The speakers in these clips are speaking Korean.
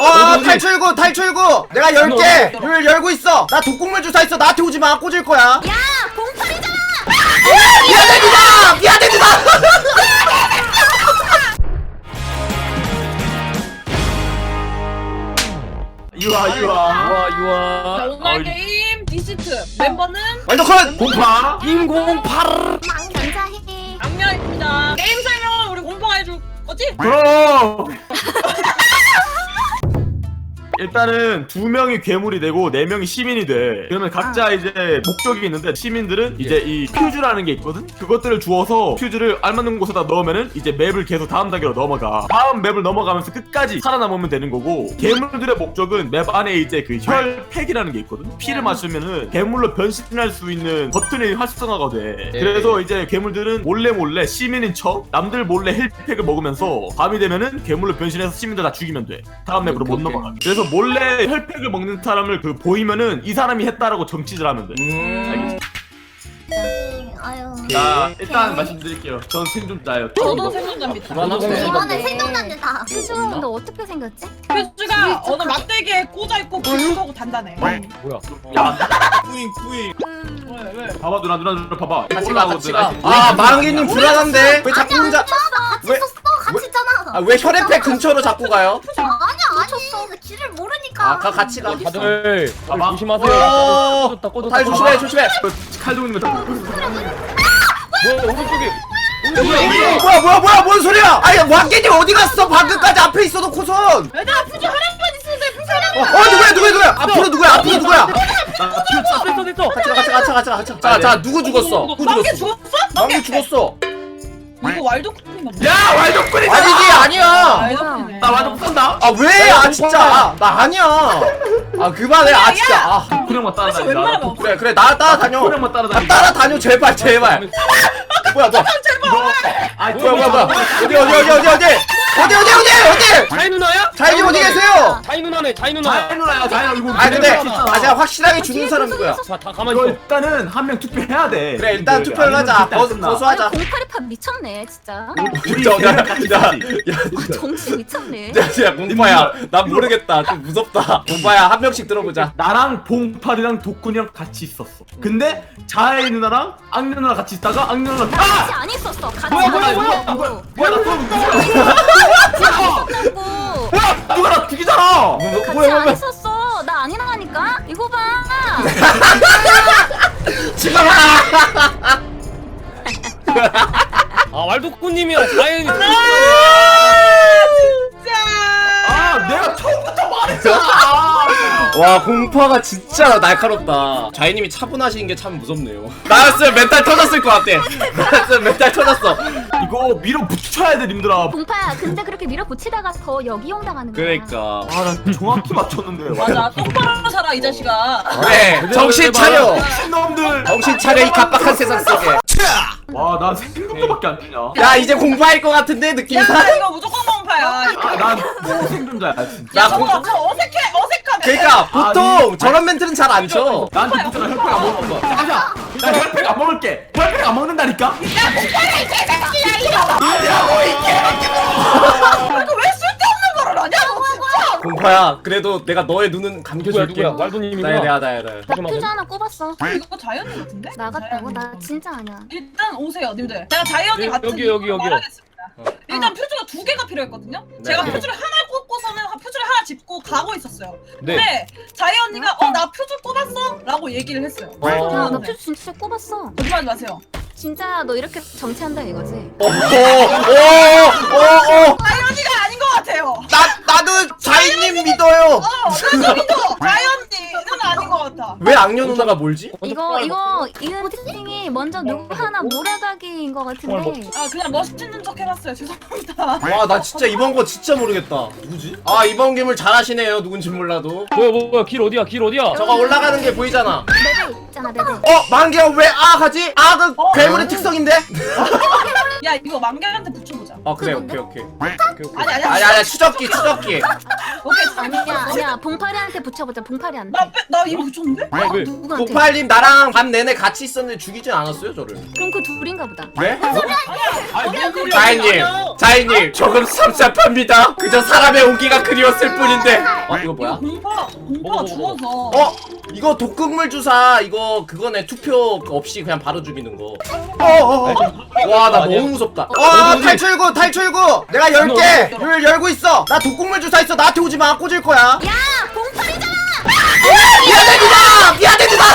탈출구 탈출구. 내가 열게. 룰 열고 있어. 나 독국물 주사 있어. 나한테 오지 마. 꽂을 거야. 야 공팔이잖아. 미안합니다. 미안합니다. 유아 유아. 자, 오늘 게임 디시트 멤버는 완전 컷. 공파. 망 감사해. 악녀입니다. 게임 설명은 우리 공파가 해줄 거지? 그럼. 일단은 2명이 괴물이 되고 4명이 시민이 돼. 그러면 각자 이제 목적이 있는데 시민들은 이제 이 퓨즈라는 게 있거든? 그것들을 주워서 퓨즈를 알맞는 곳에다 넣으면은 이제 맵을 계속 다음 단계로 넘어가. 다음 맵을 넘어가면서 끝까지 살아남으면 되는 거고, 괴물들의 목적은 맵 안에 이제 그 혈팩이라는 게 있거든? 피를 마시면은 괴물로 변신할 수 있는 버튼이 활성화가 돼. 그래서 이제 괴물들은 몰래 시민인 척 남들 몰래 혈팩을 먹으면서 밤이 되면은 괴물로 변신해서 시민들 다 죽이면 돼. 다음 맵으로 못 넘어가. 그래서 몰래 혈팩을 먹는 사람을 그 보이면은 이 사람이 했다라고 정치질 하면 돼. 알겠지? 아유. 자, 일단 말씀드릴게요. 전 생존자예요. 저도 생존자입니다. 이번에 생존자입니다. 퓨즈는 너 어떻게 생겼지? 퓨즈가 어느 막대기에 꽂아있고 불쏘고 단단해. 야, 뿌잉. 왜? 봐봐 누나 봐봐. 같이 가. 아 망개님 불안한데 왜 자꾸 혼자? 같이 왜? 있었어. 같이 있잖아. 왜 혈액팩 근처로 자꾸 가요? 아니 길을 모르니까. 같이 가. 다들 봐봐. 조심하세요. 다들 조심해. 칼 들고 있는 거. 뭐야 오른쪽에 뭐야 뭔 소리야? 아니 망개님 어디 갔어? 방금까지 앞에 있어 놓고선. 얘들아 퓨즈 하나만 있으는데 퓨즈 누구야? 앞으로 누구야? 됐어. 같이 가. 자 누구 죽었어? 망개 죽었어? 망개 죽었어. 이거 왈도쿠님 맞나? 야, 왈도꾼이다. 아니지 아니야. 왈도쿠네. 나 완전 쏜다. 아 왜? 아 진짜 나 아니야. 아 그만해. 아 진짜. 아 그냥만 따라다니. 웬만하면 없어. 그래 나 따라다녀. 그냥만 따라다니. 따라다녀 제발. 뭐야 너? 뭐야 어디? 자이 누나야? 자이 어디 계세요? 자이 누나네 자이 누나. 자이 누나야, 자이 이거. 아 근데 제가 확실하게 죽는 사람 누구야? 다 가만히 이거 있어. 일단은 한 명 투표해야 돼. 그래 일단 투표를 하자. 거수하자. 공팔이판 미쳤네 진짜. 야, 정신 미쳤네. 야, 공파야, 난 모르겠다. 좀 무섭다. 공파야, 한 명씩 들어보자. 나랑 봉팔이랑 도쿤이랑 같이 있었어. 근데 자이 누나랑 악녀 누나 같이 있다가 악녀 누나 같이 안 있었어. 같이 뭐야, 안 뭐야, 있었다고. 뭐야 나 또 있었다고. 뭐야 누가 나 죽이잖아. 같이 안 있었어. 나 아니라니까. 이거 봐. 지금 아 왈도쿠님이랑 자이. 아 내가 처음부터 말했잖아. 와, 공파가 진짜 날카롭다. 자이님이 차분하신 게 참 무섭네요. 나였으면 멘탈 터졌을 것 같아. 나였으면 멘탈 터졌어. 이거 밀어붙여야 돼 님들아. 공파야, 근데 그렇게 밀어붙이다가 더 역이용 당하는 거야. 그러니까. 아난 정확히 맞췄는데. 맞아 똑바로 살아 이 자식아. 그래, 정신 차려. 놈들. 정신 차려, 이 갑박한 세상 속에. 와난 생존자밖에 안 되냐. 야, 이제 공파일 것 같은데, 느낌이. 야 이거 무조건 공파야. 난또 생존자야 진짜. 나 야 공, 저거 어색하네. 그러니까, 보통 저런 멘트는 잘 안 쳐. 나한테 붙잖아. 혈팩 안 먹을 거. 잠깐만. 나 혈팩 안 먹을게. 혈팩 안 먹는다니까. 이거 왜 쓸데없는 거를 하냐 너 진짜. 공파야, 그래도 내가 너의 눈은 감겨줄게. 누구야? 왈도님이구나. 나야. 나 퓨즈 하나 꼽았어. 이거 자이언니 같은데? 나갔다고? 나 자이언니. 진짜 아니야. 일단 오세요 님들. 제가 자이언니 같은 여기요. 이유로 말하겠습니다. 일단 퓨즈가 2개가 필요했거든요. 제가 퓨즈를 하나 꼽고서는 퓨즈를 하나 짚고 가고 있었어요. 네. 근데 자이 언니가 나 퓨즈 꼽았어? 라고 얘기를 했어요. 야, 나 퓨즈 진짜 꼽았어. 거짓말하지 마세요. 진짜 너 이렇게 정치한다 이거지? 오. 자이 언니가 아닌 것 같아요. 나도 자이님 믿어요. 나도 믿어. 자이 언니는 아닌 것 같아. 왜 악녀 누나가 뭘지? 이거 포팅이 먼저 누구 하나 몰아가기인 것 같은데. 아 그냥 멋있는 척 해봤어요. 죄송합니다. 와, 나 진짜 이번 거 진짜 모르겠다. 누구지? 아, 이번 괴물 잘하시네요. 누군지 몰라도. 뭐야 길 어디야? 저거 올라가는 게 보이잖아. 레벨 있잖아 레벨. 만개가 왜 아 하지? 아그 괴물의 특성인데? 야 이거 만개한테 붙여보자. 그래 뭔데? 오케이. 아니 아니 추적기. 오케이. 아니야 봉파리한테 붙여보자 봉파리한테. 나 이거 붙였는데? 왜? 누구한테? 봉팔님 나랑 밤 내내 같이 있었는데 죽이진 않았어요 저를. 그럼 그 둘인가 보다. 네? 아니 자이님 조금 섭섭합니다. 그저 사람의 온기가 그리웠을 뿐인데. 이거 뭐야? 공파 먹어. 죽어서. 이거 독극물 주사 이거 그거네. 투표 없이 그냥 바로 죽이는 거. 와 나 너무 무섭다. 탈출구 내가 열게. 를 열고 있어. 나 독극물 주사 있어. 나한테 오지 마. 꽂을 거야. 야 봉파리잖아. 미안합니다.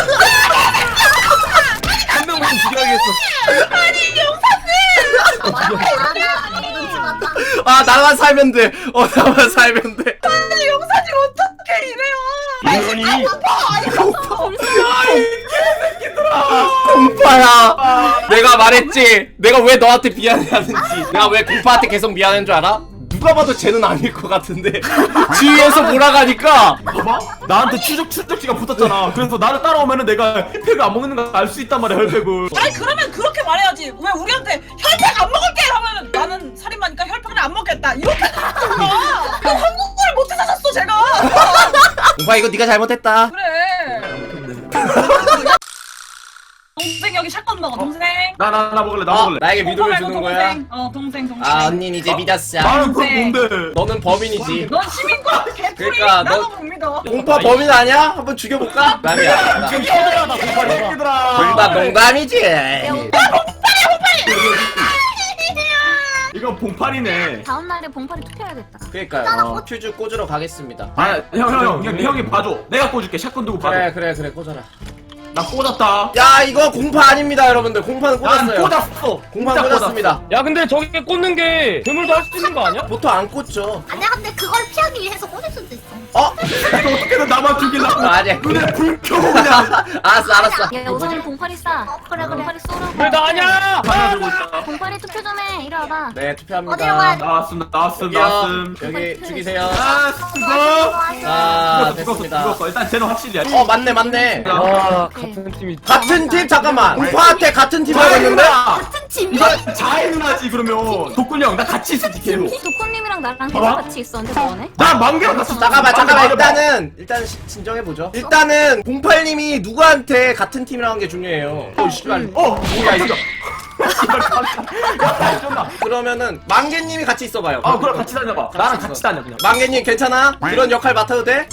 한 명만 죽여야겠어. 아 나만 살면 돼. 나만 살면 돼. 아니 용사님 어떻게 이래요? 이러니 공파야. 내가 말했지. 내가 왜 너한테 미안해하는지. 내가 왜 공파한테 계속 미안한 줄 알아? 누가 봐도 쟤는 아닐 것 같은데 주위에서 몰아가니까. 봐봐 나한테 추적지가 붙었잖아. 그래서 나를 따라오면은 내가 혈팩을 안 먹는 걸 알 수 있단 말이야. 혈팩을. 아니 그러면 그렇게 말해야지. 왜 우리한테 혈팩 안 먹을게 하면 나는 살인마니까 혈팩을 안 먹겠다. 이렇게 하잖아. 한국어를 못해 사셨어 제가. 공파 이거 네가 잘못했다. 그래. 동생 여기 샷건 먹어 동생. 나 먹을래. 나 먹을래. 나에게 믿음을 주는 거야. 동생. 언닌 이제 믿었어. 나는 그럼 뭔데? 너는 범인이지. 넌 시민과 개풀이. 그러니까 나도 못 믿어. 공파 범인 아니야? 한번 죽여볼까? 남이야. 지금 터져라 공파리. 얘들아. 농담이지. 이건 봉팔이네. 다음 날에 봉파리 투표해야겠다. 그러니까요. 퓨즈 꽂으러 가겠습니다. 형이 봐줘. 내가 꽂을게. 샷건 두고 봐줘. 그래 꽂아라. 나 꽂았다. 야 이거 공파 아닙니다 여러분들. 공파는 난 꽂았어요. 꽂았어. 공파는 진짜 꽂았습니다. 야 근데 저게 꽂는 게 괴물도 할 수 있는 거 아니야? 보통 안 꽂죠. 아니야 근데 그걸 피하기 위해서 꽂을 수도 있어. 이거 어떻게든 나만 죽이려고. 아니야. 눈에 불 켜고 그냥. 알았어. 야 우선 봉파리 쏴. 그래 봉파리 쏘라고. 왜 나 아니야? 하나 들고 있다. 봉파리 투표 좀 해. 이리 와봐. 네 투표합니다. 어디로 가야 돼? 나왔음. 여기 죽이세요. 수고. 자 됐습니다. 죽었어. 일단 쟤는 확실히. 맞네. 와 같은 팀이. 같은 팀 잠깐만. 공파한테 같은 팀 하고 있는데? 같은 팀. 이거 자해 누나지 그러면. 독군이 형 나 같이 있을지 걔로. 도코님이랑 나랑 계속 봐봐. 같이 있었는데 너네? 나 만개랑 같이. 잠깐만 일단 진정해 보죠. 일단은 08님이 누구한테 같은 팀이라는 게 중요해요. 씨발. 뭐야 이거. 씨발 깜짝. 야 그러면은 망개님이 같이 있어봐요. 그럼 같이 다녀봐. 나랑 같이 다녀 그냥. 망개님 괜찮아? 그런 역할 맡아도 돼?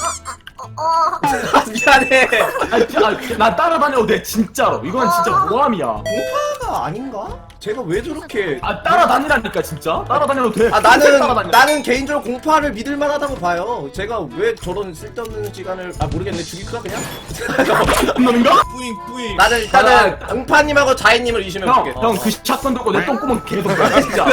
미안해. 나 따라다녀도 돼 진짜로. 이건 진짜 모함이야. 공파가 아닌가? 제가 왜 저렇게? 따라다니라니까 진짜. 따라다녀도 돼. 나는 개인적으로 공파를 믿을 만하다고 봐요. 제가 왜 저런 쓸데없는 시간을 모르겠네. 죽일까 그냥? 놈인가? 뿌잉. 나는 일단은 공파님하고 자이님을 의심해 볼게. 형 그 샷건 들고 내 똥구멍 계속 가 진짜.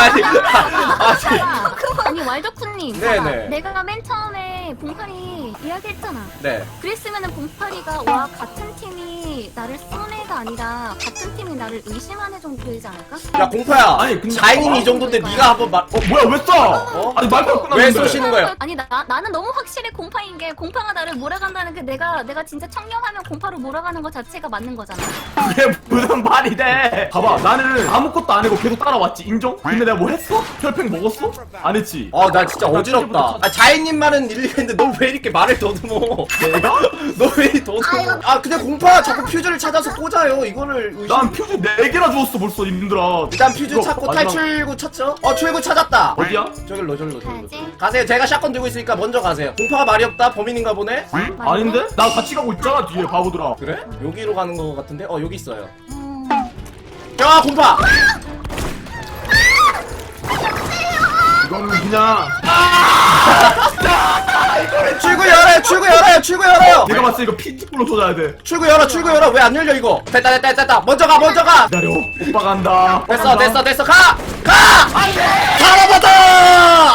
아니 왈도쿠님. 네네. 내가 맨 처음에 봉파리 이야기했잖아. 네. 그랬으면은 봉파리가 와 같은 팀이 나를 쏜 애가 아니라 같은 팀이 나를 의심한 애 정도 되지 않을까? 야 공파야. 아니, 근데 자이님이 이 정도인데 네가 한번 뭐야 왜 쏴? 아니 말도 안 왜 끝났는데. 쏘시는 거예요? 아니 나는 너무 확실히 공파인 게 공파가 나를 몰아간다는 게 내가 진짜 청렴하면 공파로 몰아가는 것 자체가 맞는 거잖아. 그게 무슨 말이 돼? 봐봐 나는 아무것도 안 하고 계속 따라왔지 인정? 근데 내가 뭐 했어? 혈팩 먹었어? 안 했지. 나 진짜 어지럽다. 자이님 말은 일리가 있는데 너 왜 이렇게 말을 더듬어? 내가? 너 왜 이렇게 더듬어? 근데 공파 자꾸 퓨즈를 찾아서 꽂아요. 이거를 난 퓨즈 4개나 주웠어 벌써 님들아. 일단 퓨즈 이거 찾고 마지막- 탈출구 찾죠? 출구 찾았다. 어디야? 저길로 가야지. 가세요. 제가 샷건 들고 있으니까 먼저 가세요. 공파가 말이 없다. 범인인가 보네. 응? 아닌데? 나 같이 가고 있잖아 뒤에 바보들아. 그래? 여기로 가는 거 같은데? 여기 있어요. 야 공파. 이거는 그냥 출구 열어요. 내가 봤을 때 이거 피지컬로 쏟아야 돼. 출구 열어. 왜 안 열려 이거? 됐다. 먼저 가. 기다려. 오빠 간다. 됐어. 가. 살아봤다.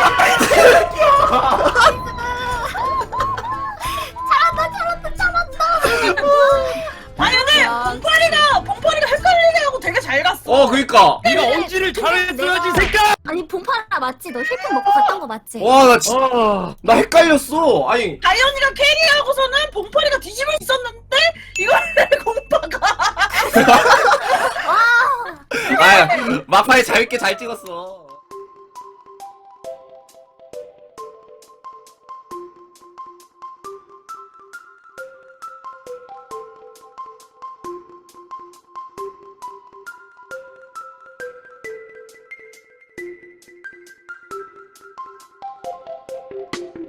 아니 근데 봉파리가 헷갈리게 하고 되게 잘 갔어. 그니까. 네가 엄지를 잘했어야지 새끼야. 아니 봉파라 맞지? 너 힐팩 먹고 갔던 거 맞지? 나 진짜 나 헷갈렸어. 아니 다이언이가 캐리하고서는 봉파리가 뒤집어 있었는데 이거를 공파가. 아 마파에 재밌게 잘 찍었어.